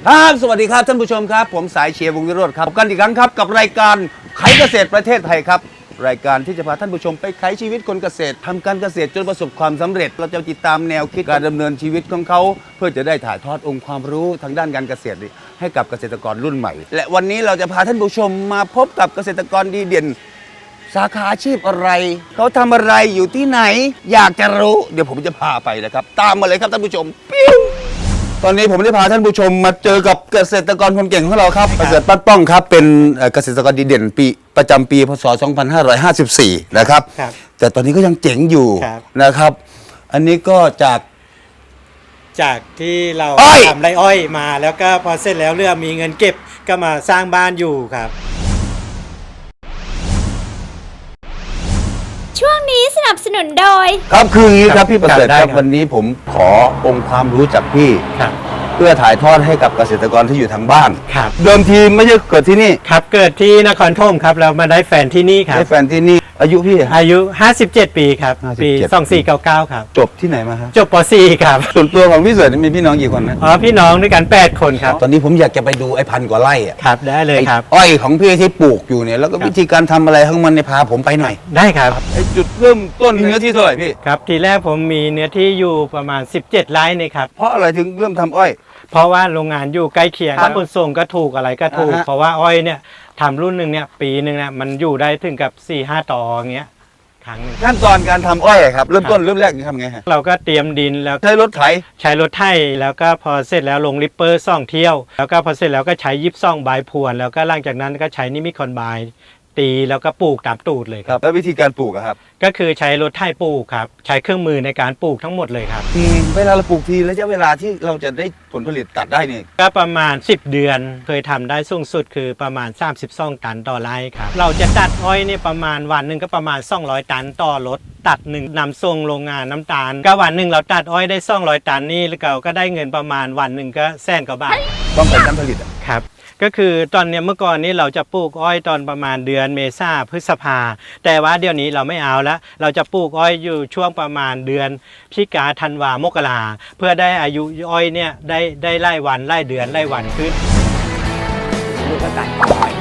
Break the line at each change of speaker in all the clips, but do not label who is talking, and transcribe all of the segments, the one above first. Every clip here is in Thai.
ครับสวัสดีครับท่านผู้ชมครับผมสายเชียร์วงศ์วิโรจน์ครับพบกันอีกครั้งครับกับรายการไขเกษตรประเทศไทยครับรายการที่จะพาท่านผู้ชมไปไขชีวิตคนเกษตรทำการเกษตรจนประสบความสำเร็จเราจะติดตามแนวคิดการดำเนินชีวิตของเขาเพื่อจะได้ถ่ายทอดองค์ความรู้ทางด้านการเกษตรให้กับเกษตรกรรุ่นใหม่และวันนี้เราจะพาท่านผู้ชมมาพบกับเกษตรกรดีเด่นสาขาอาชีพอะไรเขาทำอะไรอยู่ที่ไหนอยากจะรู้เดี๋ยวผมจะพาไปนะครับตามมาเลยครับท่านผู้ชมปิ้วตอนนี้ผมได้พาท่านผู้ชมมาเจอกับเกษตรกรคนเก่งของเราครับเกษตรปั้นป้องครับเป็นเกษตรกรดีเด่นปีประจำปีพศ 2554 นะครับแต่ตอนนี้ก็ยังเจ๋งอยู่นะครับ อันนี้ก็จาก
ที่เราทำไรอ้อยมาแล้วก็พอเสร็จแล้วเรื่องมีเงินเก็บก็มาสร้างบ้านอยู่ครับ
ช่วงนี้สนับสนุนโดย
ครับคืออย่างนี้ครับพี่ประเสริฐครับวันนี้ผมขอองค์ความรู้จากพี่เพื่อถ่ายทอดให้กับเกษตรกรที่อยู่ทางบ้านเดิมทีไม่ใช่เกิดที่นี่
ครับเกิดที่นครธมครับเรามาได้แฟนที่นี่ครับ
ได้แฟนที่นี่อายุพี่
อายุ57 ปีครับปี2499ครับ
จบที่ไหนมาครับ
จบป .4 ครับ
ส่วนตัวของพี่เสริฐมีพี่น้องกี่คนนะ
พี่น้องด้วยกัน8 คนครับ
ตอนนี้ผมอยากจะไปดูไอ้พันกว่าไร่อ่ะ
ครับได้เลยครับ
อ้อยของพี่ที่ปลูกอยู่เนี่ยแล้วก็วิธีการทำอะไรของมันในพาผมไปหน่อย
ได้ครับ
ไอ้จุดเริ่มต้นเนื้อที่เท่าไหร่พี่
ครับทีแรกผมมีเนื้อที่อยู่ประมาณ17 ไร่นี่ครับ
เพราะอะไรถึงเริ่มทำอ้อย
เพราะว่าโรงงานอยู่ใกล้เคียงค่าขนส่งก็ถูกอะไรก็ถูกเพราะว่าอ้อยเนี่ยทำรุ่นหนึ่งเนี่ยปีหนึ่งเนี่ยมันอยู่ได้ถึงกับ 4-5 ต่ออย่างเงี้ยครั้งนึง
ขั้นตอนการทำอ้อยครับเริ่มแรกทำไงฮะ
เราก็เตรียมดินแล้ว
ใช้รถไถ
แล้วก็พอเสร็จแล้วลงริปเปอร์2 เที่ยวแล้วก็พอเสร็จแล้วก็ใช้ยิบซ่องใบพรวนแล้วก็หลังจากนั้นก็ใช้นิมิคอนไบตีแล้วก็ปลูกตามตูดเลยครับ
แล้ววิธีการปลูกครับ
ก็คือใช้รถไถปลูกครับใช้เครื่องมือในการปลูกทั้งหมดเลยครับ
เวลาเราปลูกทีระยะเวลาที่เราจะได้ผลผลิตตัดได้นี่
ก็ประมาณ10 เดือนเคยทำได้สูงสุดคือประมาณ32 ตันต่อไร่ครับเราจะตัดอ้อยนี่ประมาณวันหนึ่งก็ประมาณ200 ตันต่อรถตัดหนึ่งนำส่งโรงงานน้ำตาลก็วันหนึ่งเราตัดอ้อยได้200 ตันนี่แล้วเราก็ได้เงินประมาณวันหนึ่งก็100,000 กว่าบาท
ต้องเป็นการผลิต
ครับก็คือตอนเนี้ยเมื่อก่อนนี้เราจะปลูกอ้อยตอนประมาณเดือนเมษาพฤษภาแต่ว่าเดี๋ยวนี้เราไม่เอาแล้วเราจะปลูกอ้อยอยู่ช่วงประมาณเดือนพฤศจิกาธันวามกราเพื่อได้อายุอ้อยเนี่ยได้ไล่วันไล่เดือนไล่วันขึ้นลูกกระต่าย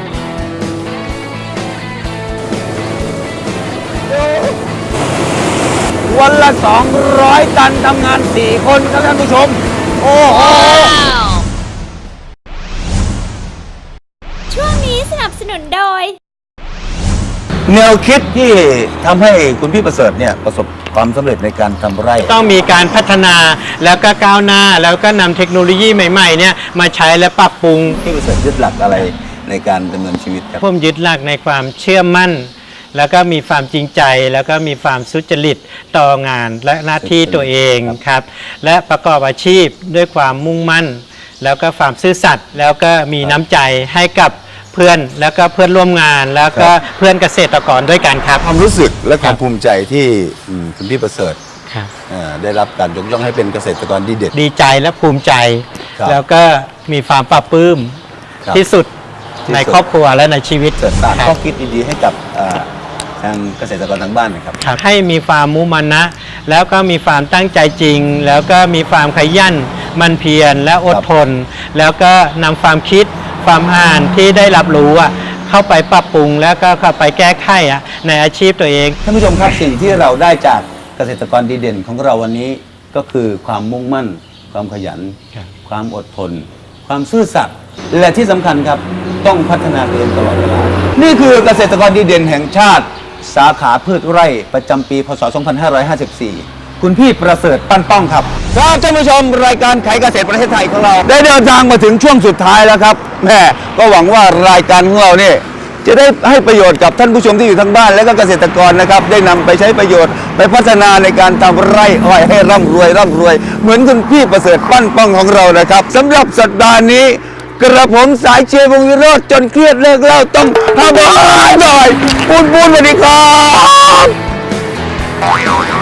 วันละ200 ตันทำงาน4 คนครับท่านผู้ชมโอ้โห
ช่วงนี้สนับสนุนโดย
แนวคิดที่ทำให้คุณพี่ประเสริฐเนี่ยประสบความสำเร็จในการทำไร่
ต้องมีการพัฒนาแล้วก็ก้าวหน้าแล้วก็นำเทคโนโลยีใหม่ๆเนี่ยมาใช้และปรับปรุง
พี่ประเสริฐยึดหลักอะไรในการดำเนินชีวิตครับ
ผมยึดหลักในความเชื่อมั่นแล้วก็มีความจริงใจแล้วก็มีความสุจริตต่องานและหน้าที่ตัวเองครับและประกอบอาชีพด้วยความมุ่งมั่นแล้วก็ความซื่อสัตย์แล้วก็มีน้ำใจให้กับเพื่อนแล้วก็เพื่อนร่วมงานแล้วก็เพื่อนเกษตรกรด้วยกันครับ
ความรู้สึกและความภูมิใจที่คุณพี่ประเสริฐได้รับการยกย่องให้เป็นเกษตรกรดีเด่น
ดีใจและภูมิใจแล้วก็มีความปลาบปลื้มที่สุดในครอบครัวและในชีวิต
เกิดสร้างข้อคิดดีๆให้กับทางเกษตรกรทางบ้านนะครับ
ให้มีความมุ่งมั่นนะแล้วก็มีความตั้งใจจริงแล้วก็มีความขยันมันเพียรและอดทนแล้วก็นำความคิดความอ่านที่ได้รับรู้เข้าไปปรับปรุงแล้วก็เข้าไปแก้ไขในอาชีพตัวเอง
ท่านผู้ชมครับสิ่งที่เราได้จากเกษตรกรดีเด่นของเราวันนี้ก็คือความมุ่งมั่นความขยันความอดทนความซื่อสัตย์และที่สำคัญครับต้องพัฒนาตัวเองตลอดเวลานี่คือเกษตรกรดีเด่นแห่งชาติสาขาพืชไร่ประจำปีพศ 2554 คุณพี่ประเสริฐปั้นป้องครับครับท่านผู้ชมรายการไขเกษตรประเทศไทยของเราได้เดินทางมาถึงช่วงสุดท้ายแล้วครับแม่ก็หวังว่ารายการของเราเนี่ยจะได้ให้ประโยชน์กับท่านผู้ชมที่อยู่ทางบ้านและก็เกษตรกรนะครับได้นำไปใช้ประโยชน์ไปพัฒนาในการทำไร่อ้อยให้ร่ำรวยเหมือนคุณพี่ประเสริฐปั้นป้องของเรานะครับสำหรับสัปดาห์นี้กระผมสายเชียร์วงศ์วิโรจน์จนเครียดเลิกเล่าต้องทำอะไรหน่อยปูนสวัสดีครับ